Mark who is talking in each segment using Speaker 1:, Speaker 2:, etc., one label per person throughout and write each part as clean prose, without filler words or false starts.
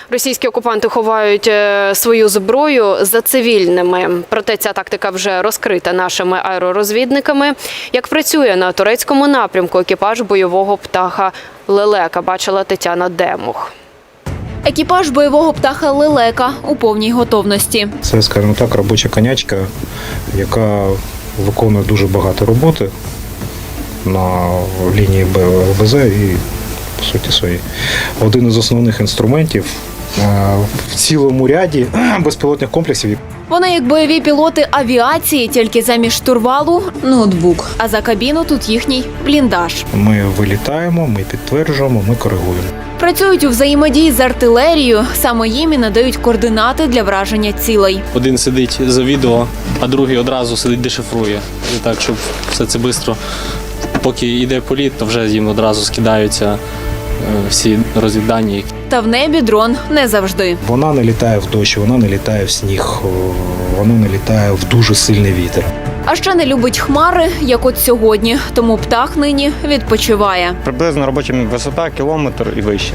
Speaker 1: Російські окупанти ховають свою зброю за цивільними. Проте ця тактика вже розкрита нашими аеророзвідниками. Як працює на турецькому напрямку екіпаж бойового птаха «Лелека», бачила Тетяна Демух.
Speaker 2: Екіпаж бойового птаха «Лелека» у повній готовності.
Speaker 3: Це, скажімо так, робоча конячка, яка виконує дуже багато роботи на лінії ЛБЗ і, по суті, своїй. Один із основних інструментів в цілому ряді безпілотних комплексів.
Speaker 2: Вони як бойові пілоти авіації, тільки замість штурвалу – ноутбук. А за кабіну тут їхній бліндаж.
Speaker 3: Ми вилітаємо, ми підтверджуємо, ми коригуємо.
Speaker 2: Працюють у взаємодії з артилерією, саме їм і надають координати для враження цілей.
Speaker 4: Один сидить за відео, а другий одразу сидить дешифрує. І так, щоб все це швидко, поки йде політ, то вже їм одразу скидаються всі розвіддані.
Speaker 2: Та в небі дрон не завжди.
Speaker 3: Вона не літає в дощ, вона не літає в сніг, вона не літає в дуже сильний вітер.
Speaker 2: А ще не любить хмари, як от сьогодні, тому птах нині відпочиває.
Speaker 5: Приблизно робоча висота кілометр і вище.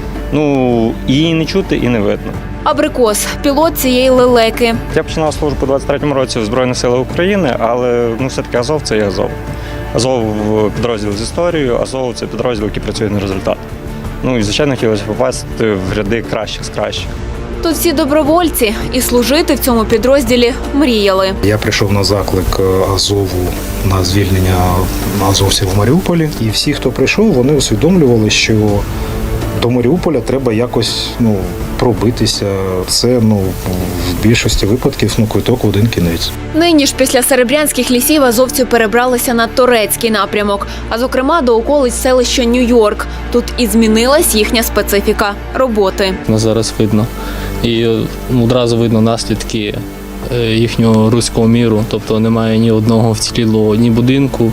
Speaker 5: Її не чути і не видно.
Speaker 2: Абрикос – пілот цієї «Лелеки».
Speaker 5: Я починав службу у 23-му році в Збройних силах України, але все-таки Азов – це є Азов. Азов – підрозділ з історією, Азов – це підрозділ, який працює на результат. І, звичайно, хотілося попасти в ряди кращих з кращих.
Speaker 2: Тут всі добровольці і служити в цьому підрозділі мріяли.
Speaker 3: Я прийшов на заклик Азову на звільнення азовців в Маріуполі. І всі, хто прийшов, вони усвідомлювали, що до Маріуполя треба якось пробитися. Це в більшості випадків квиток в один кінець.
Speaker 2: Нині ж після серебрянських лісів азовці перебралися на турецький напрямок, а зокрема до околиць селища Нью-Йорк. Тут і змінилась їхня специфіка роботи.
Speaker 4: Нас зараз видно. І одразу видно наслідки їхнього руського міру. Тобто немає ні одного вцілілого, ні будинку.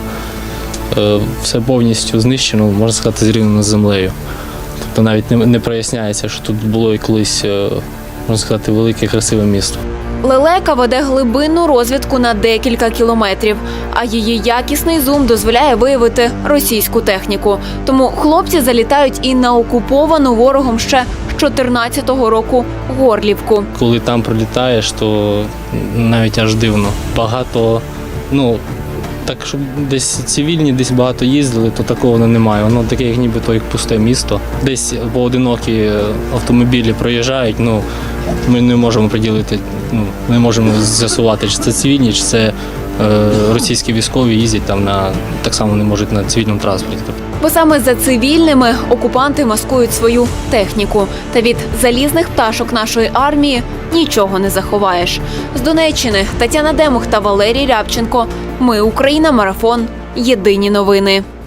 Speaker 4: Все повністю знищено, можна сказати, зрівняно з землею. Тобто навіть не проясняється, що тут було і колись, можна сказати, велике красиве місто.
Speaker 2: «Лелека» веде глибинну розвідку на декілька кілометрів, а її якісний зум дозволяє виявити російську техніку. Тому хлопці залітають і на окуповану ворогом ще з 14-го року Горлівку.
Speaker 4: Коли там прилітаєш, то навіть аж дивно. Багато, так, щоб десь цивільні, десь багато їздили, то такого немає. Воно таке, як нібито як пусте місто. Десь поодинокі автомобілі проїжджають, ми не можемо приділити, не можемо з'ясувати, чи це цивільні, чи це російські військові їздять там так само не можуть на цивільному транспорті.
Speaker 2: Бо саме за цивільними окупанти маскують свою техніку. Та від залізних пташок нашої армії нічого не заховаєш. З Донеччини Тетяна Демух та Валерій Рябченко. Ми Україна. Марафон. Єдині новини.